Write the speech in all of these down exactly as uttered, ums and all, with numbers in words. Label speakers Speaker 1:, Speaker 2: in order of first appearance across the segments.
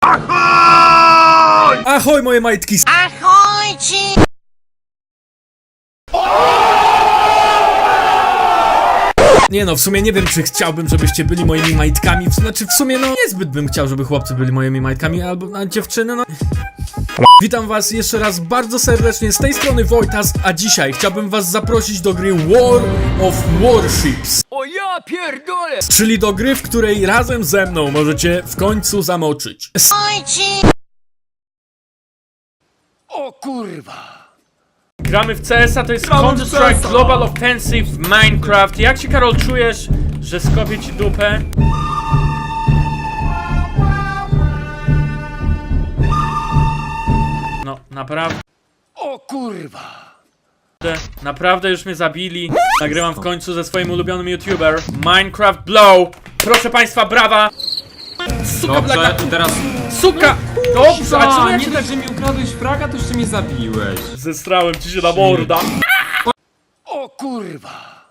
Speaker 1: Ahoj! Ahoj moje majtki!
Speaker 2: Ahojci!
Speaker 1: Nie no, w sumie nie wiem, czy chciałbym, żebyście byli moimi majtkami. Znaczy, w sumie no, niezbyt bym chciał, żeby chłopcy byli moimi majtkami, albo a dziewczyny, no... Witam was jeszcze raz bardzo serdecznie, z tej strony Wojtas, a dzisiaj chciałbym was zaprosić do gry War of Warships.
Speaker 3: O ja pierdolę!
Speaker 1: Czyli do gry, w której razem ze mną możecie w końcu zamoczyć.
Speaker 2: Ahojci!
Speaker 3: O kurwa!
Speaker 1: Gramy w C S a, to jest Counter-Strike Global Offensive Minecraft. Jak się, Karol, czujesz, że skopię ci dupę? No, naprawdę,
Speaker 3: O kurwa!
Speaker 1: naprawdę już mnie zabili. Nagrywam w końcu ze swoim ulubionym YouTuber Minecraft Blow. Proszę państwa, brawa! Suka,
Speaker 4: Dobrze,
Speaker 1: blaka,
Speaker 4: i teraz...
Speaker 1: suka! Dobrze, a czemu ja
Speaker 4: nie
Speaker 1: cię
Speaker 4: tak,
Speaker 1: tak
Speaker 4: że mi ukradłeś fraga, to jeszcze mnie zabiłeś.
Speaker 1: zestrałem ci się na morda?
Speaker 3: O kurwa!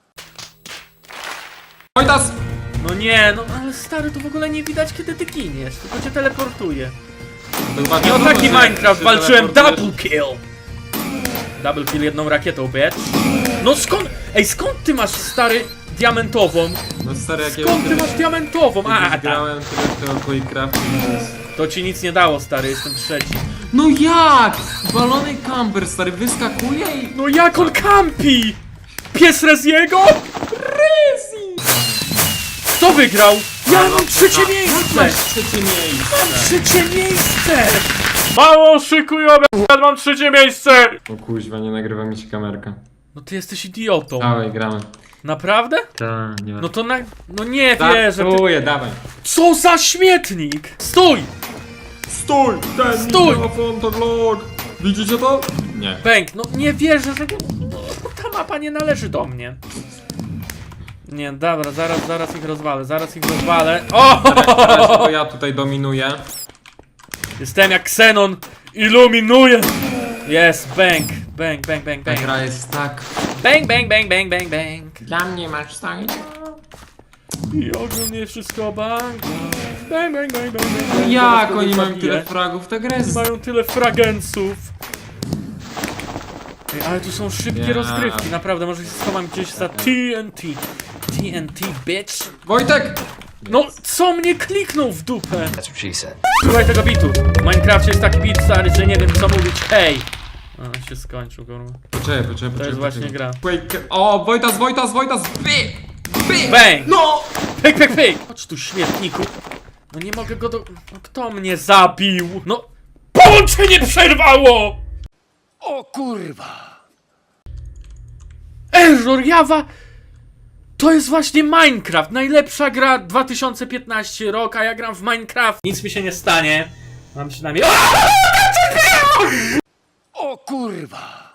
Speaker 4: Wojtas!
Speaker 1: No nie, no ale stary, to w ogóle nie widać, kiedy ty giniesz, tylko cię teleportuje.
Speaker 4: Chyba
Speaker 1: No
Speaker 4: wiadomo,
Speaker 1: taki
Speaker 4: że
Speaker 1: Minecraft,
Speaker 4: się
Speaker 1: walczyłem
Speaker 4: teleportujesz.
Speaker 1: double kill! Double kill jedną rakietą, bitch. No skąd, ej, skąd ty masz, stary, diamentową?
Speaker 4: No stary, jak
Speaker 1: Skąd ty masz diamentową? A,
Speaker 4: A,
Speaker 1: tak.
Speaker 4: grałem tyle w tego Minecraftu.
Speaker 1: To ci nic nie dało, stary, jestem trzeci.
Speaker 4: No jak? Balony camper, stary, wyskakuje i...
Speaker 1: No jak on kampi? Pies Reziego? Rezi! Kto wygrał? Ja mam trzecie miejsce!
Speaker 4: Masz trzecie miejsce!
Speaker 1: Trzecie miejsce! Mało szykujowe, ja mam trzecie miejsce!
Speaker 4: O kuźwa, nie nagrywa mi się kamerka.
Speaker 1: No ty jesteś idiotą.
Speaker 4: Dawaj, gramy.
Speaker 1: Naprawdę?
Speaker 4: Tak, nie ma.
Speaker 1: No to na... No nie
Speaker 4: Tak,
Speaker 1: wierzę. Ty...
Speaker 4: Startuję, dawaj.
Speaker 1: Co za śmietnik! Stój!
Speaker 4: Stój! Ten
Speaker 1: Stój!
Speaker 4: mikrofon to vlog! Widzicie to? Nie.
Speaker 1: Bęk, no nie wierzę, że... No, ta mapa nie należy do mnie. Nie, dobra, zaraz, zaraz ich rozwalę, zaraz ich rozwalę. O!
Speaker 4: Na razie to ja tutaj dominuję.
Speaker 1: Jestem jak Xenon, iluminuję! Jest, bang, bang, bang, bang,
Speaker 4: Ta
Speaker 1: bang.
Speaker 4: gra jest tak...
Speaker 1: Bang, bang, bang, bang, bang, bang.
Speaker 4: Dla mnie masz stanie.
Speaker 1: I ogólnie wszystko bang. Bang, bang, bang, bang, bang, bang.
Speaker 4: Jak
Speaker 1: Zaraz
Speaker 4: oni
Speaker 1: kogoś
Speaker 4: mają
Speaker 1: zabiję.
Speaker 4: tyle fragów? Ta gra jest...
Speaker 1: Mają tyle fragenców. Ej, ale tu są szybkie
Speaker 4: Ja.
Speaker 1: rozgrywki, naprawdę, może się schowam gdzieś za T N T. T N T, bitch.
Speaker 4: Wojtek!
Speaker 1: No, co mnie kliknął w dupę? Słuchaj tego bitu. W Minecrafcie jest taki bit, stary, że nie wiem co mówić. Hej! A, się skończył, kurwa.
Speaker 4: Poczekaj, poczekaj, poczekaj.
Speaker 1: To jest właśnie gra.
Speaker 4: Wake... O, Wojtas, Wojtas, Wojtas! By! By!
Speaker 1: Bang!
Speaker 4: No!
Speaker 1: Pyk, pyk, pyk! Chodź tu, śmietniku. No nie mogę go do... No kto mnie zabił? No... Połączenie przerwało!
Speaker 3: O kurwa!
Speaker 1: Error, jawa! To jest właśnie Minecraft, najlepsza gra dwa tysiące piętnasty rok, a ja gram w Minecraft. Nic mi się nie stanie. Mam przynajmniej...
Speaker 3: O kurwa!